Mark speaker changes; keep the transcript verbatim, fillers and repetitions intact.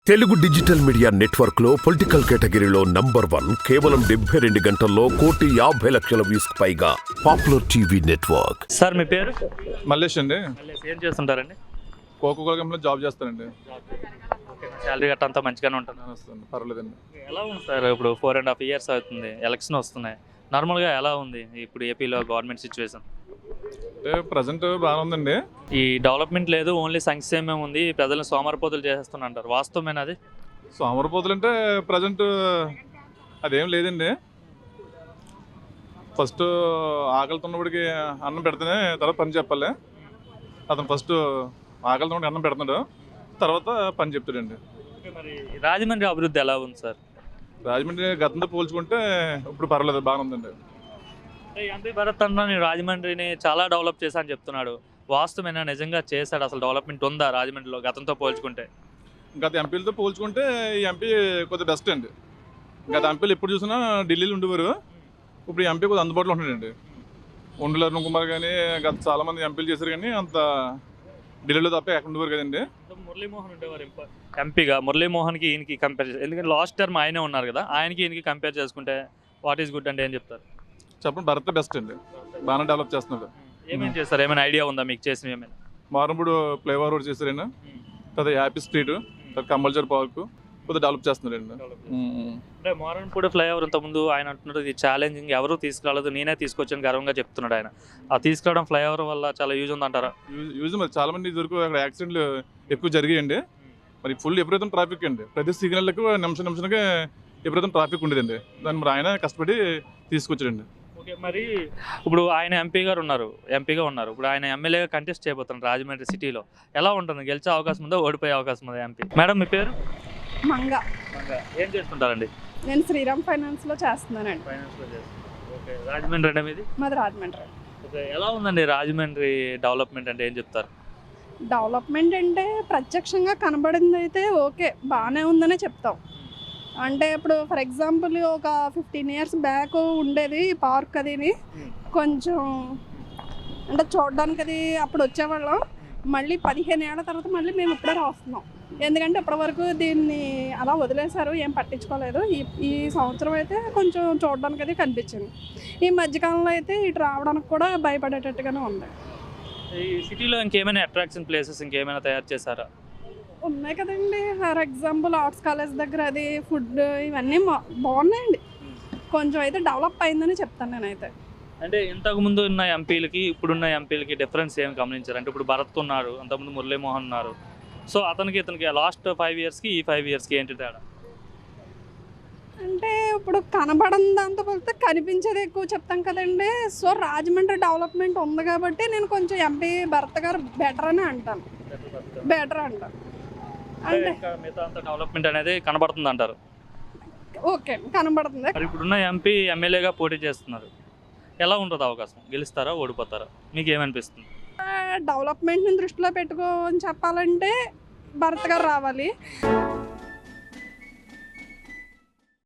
Speaker 1: Telugu digital media network లో political కేటగిరీలో number one కేవలం డెబ్బై రెండు గంటల్లో కోటి యాభై లక్షల వ్యూస్ పైగా పాపులర్ టీవీ నెట్వర్క్.
Speaker 2: సార్ మీ పేరు?
Speaker 3: మల్లేష్ అండి.
Speaker 2: మల్లేష్ ఏం చేస్తుంటారండి?
Speaker 3: కోకోకోలా కంపెనీలో జాబ్ చేస్తానండి.
Speaker 2: శాలరీ గట్ట అంతా మంచిగానే ఉంటుంది?
Speaker 3: వస్తుంది, పర్వాలేదండి.
Speaker 2: ఎలా ఉంది సార్? ఇప్పుడు ఫోర్ అండ్ హాఫ్ ఇయర్స్ అవుతుంది, ఎలక్షన్ వస్తున్నాయి. నార్మల్గా ఎలా ఉంది ఇప్పుడు ఏపీలో గవర్నమెంట్ సిచ్యువేషన్?
Speaker 3: అంటే ప్రజెంట్ బాగానే ఉందండి.
Speaker 2: ఈ డెవలప్మెంట్ లేదు, ఓన్లీ సంక్షేమం ఉంది, ప్రజలను సోమరిపోతులు చేసేస్తున్నా అంటారు, వాస్తవమేనా అది?
Speaker 3: సోమరిపోతులు అంటే ప్రజెంట్ అదేం లేదండి. ఫస్ట్ ఆకలితో ఉన్నప్పటికి అన్నం పెడితేనే తర్వాత పని చెప్పాలి. అతను ఫస్ట్ ఆకలితో ఉన్నప్పుడు అన్నం పెడుతున్నాడు, తర్వాత పని చెప్తాడండి.
Speaker 2: మరి రాజమండ్రి అభివృద్ధి ఎలా ఉంది సార్?
Speaker 3: రాజమండ్రి గతంతో పోల్చుకుంటే ఇప్పుడు పర్వాలేదు, బాగానే ఉందండి.
Speaker 2: ఎంపీ భరత్ అన్న నేను రాజమండ్రిని చాలా డెవలప్ చేశా అని చెప్తున్నాడు, వాస్తవమేనా? నిజంగా చేశాడు? అసలు డెవలప్మెంట్ ఉందా రాజమండ్రిలో గతంతో పోల్చుకుంటే?
Speaker 3: గత ఎంపీలతో పోల్చుకుంటే ఈ ఎంపీ కొద్దిగా బెస్ట్ అండి. గత ఎంపీలు ఎప్పుడు చూసినా ఢిల్లీలో ఉండేవారు, ఇప్పుడు ఈ ఎంపీ కొద్దిగా అందుబాటులో ఉంటున్నాడండి. ఉండల అరుణ్ కుమార్ కానీ గత చాలామంది ఎంపీలు చేశారు, కానీ అంత ఢిల్లీలో తప్ప ఎక్కడ ఉండేవారు కదండి.
Speaker 2: మురళీమోహన్ ఉండేవారు ఎంపీగా. మురళీమోహన్కి ఈయనకి కంపేర్ చేసి, ఎందుకంటే లాస్ట్ టర్మ్ ఆయనే ఉన్నారు కదా, ఆయనకి ఈయనకి కంపేర్ చేసుకుంటే వాట్ ఈస్ గుడ్ అంటే ఏం చెప్తారు?
Speaker 3: చెప్పండి. భరత్ బెస్ట్ అండి, బాగానే డెవలప్ చేస్తున్నాడు.
Speaker 2: ఏమేమి చేస్తారు? ఏమైనా ఐడియా ఉందా మీకు చేసిన? ఏమైనా
Speaker 3: మారంపూడి ఫ్లైఓవర్ రోడ్ చేశారండి, తర్వాత యాపీ స్ట్రీట్, తర్వాత కంపల్సరీ పార్క్ కొద్దిగా డెవలప్ చేస్తున్నారండి.
Speaker 2: అంటే మారన్పూడి ఫ్లైఓవర్ ఇంతకుముందు ఆయన అంటున్నారు ఇది ఛాలెంజింగ్, ఎవరూ తీసుకురాలేదు, నేనే తీసుకొచ్చాను గర్వంగా చెప్తున్నాడు ఆయన. ఆ తీసుకురావడం ఫ్లైఓవర్ వల్ల చాలా యూజ్ ఉందంటారా?
Speaker 3: యూజ్ యూజ్ మరి చాలా మంది దొరికి అక్కడ యాక్సిడెంట్లు ఎక్కువ జరిగాయండి. మరి ఫుల్ ఎప్పుడైతే ట్రాఫిక్ అండి, ప్రతి సిగ్నల్కి నిమిషం నిమిషానికి ఎప్పుడైతే ట్రాఫిక్ ఉండేదండి. దాన్ని మరి ఆయన కష్టపడి తీసుకొచ్చాడండి.
Speaker 2: ఓకే, మరి ఇప్పుడు ఆయన ఎంపీ గారు ఉన్నారు, ఎంపీగా ఉన్నారు, ఇప్పుడు ఆయన ఎమ్మెల్యేగా కంటెస్ట్ చేయబోతున్నారు రాజమండ్రి సిటీలో. ఎలా ఉంటుంది? గెలిచే అవకాశం ఉందా, ఓడిపోయే అవకాశం ఉందా ఎంపీ? మేడం మీ పేరు?
Speaker 4: మంగ.
Speaker 2: ఏం చేస్తుంటారండి?
Speaker 4: నేను శ్రీరామ్ ఫైనాన్స్ లో చేస్తున్నానండి.
Speaker 2: ఫైనాన్స్లో చేస్తాను. ఓకే, రాజమండ్రి అంటే మీది?
Speaker 4: మాది రాజమండ్రి.
Speaker 2: ఓకే, ఎలా ఉందండి రాజమండ్రి డెవలప్మెంట్ అంటే ఏం చెప్తారు?
Speaker 4: డెవలప్మెంట్ అంటే ప్రత్యక్షంగా కనబడింది అయితే ఓకే, బాగానే ఉందనే చెప్తాం. అంటే ఇప్పుడు ఫర్ ఎగ్జాంపుల్ ఒక ఫిఫ్టీన్ ఇయర్స్ బ్యాక్ ఉండేది పార్క్ అదిని, కొంచెం అంటే చూడడానికి అది అప్పుడు వచ్చేవాళ్ళం. మళ్ళీ పదిహేను ఏళ్ళ తర్వాత మళ్ళీ మేము ఇప్పుడే రాస్తున్నాం, ఎందుకంటే ఇప్పటివరకు దీన్ని అలా వదిలేశారు, ఏం పట్టించుకోలేదు. ఈ ఈ సంవత్సరం అయితే కొంచెం చూడడానికి అది కనిపించింది. ఈ మధ్యకాలంలో అయితే ఇటు రావడానికి కూడా భయపడేటట్టుగానే ఉంది.
Speaker 2: ఈ సిటీలో ఇంకేమైనా అట్రాక్షన్ ప్లేసెస్ ఇంకేమైనా తయారు చేశారా?
Speaker 4: ఉన్నాయి కదండి, ఫర్ ఎగ్జాంపుల్ ఆర్ట్స్ కాలేజ్ దగ్గర అది ఫుడ్ ఇవన్నీ బాగున్నాయండి. కొంచెం అయితే డెవలప్ అయిందని చెప్తాను నేనైతే.
Speaker 2: అంటే ఇంతకుముందు ఉన్న ఎంపీలకి ఇప్పుడున్న ఎంపీలకి డిఫరెన్స్ ఏం గమనించారు? అంటే ఇప్పుడు భరత్ ఉన్నారు, అంతకుముందు మురళీమోహన్ ఉన్నారు. సో అతనికి ఇతనికి లాస్ట్ ఫైవ్ ఇయర్స్కి ఈ ఫైవ్ ఇయర్స్కి ఏంటి తేడా?
Speaker 4: అంటే ఇప్పుడు కనబడని దాంతో పోలిస్తే కనిపించేది ఎక్కువ చెప్తాం కదండి. సో రాజమండ్రి డెవలప్మెంట్ ఉంది కాబట్టి నేను కొంచెం ఎంపీ భరత్ గారు బెటర్ అని అంటాను, బెటర్ అంటాను. అంటే
Speaker 2: మిగతా అంత డెవలప్మెంట్ అనేది కనబడుతుంది అంటారు?
Speaker 4: ఓకే, కనబడుతుంది.
Speaker 2: మరి ఇప్పుడున్న ఎంపీ ఎమ్మెల్యేగా పోటీ చేస్తున్నారు, ఎలా ఉంటుంది అవకాశం? గెలుస్తారా, ఓడిపోతారా? మీకు ఏమనిపిస్తుంది?
Speaker 4: డెవలప్మెంట్ని దృష్టిలో పెట్టుకొని చెప్పాలంటే భరత్ గారు రావాలి.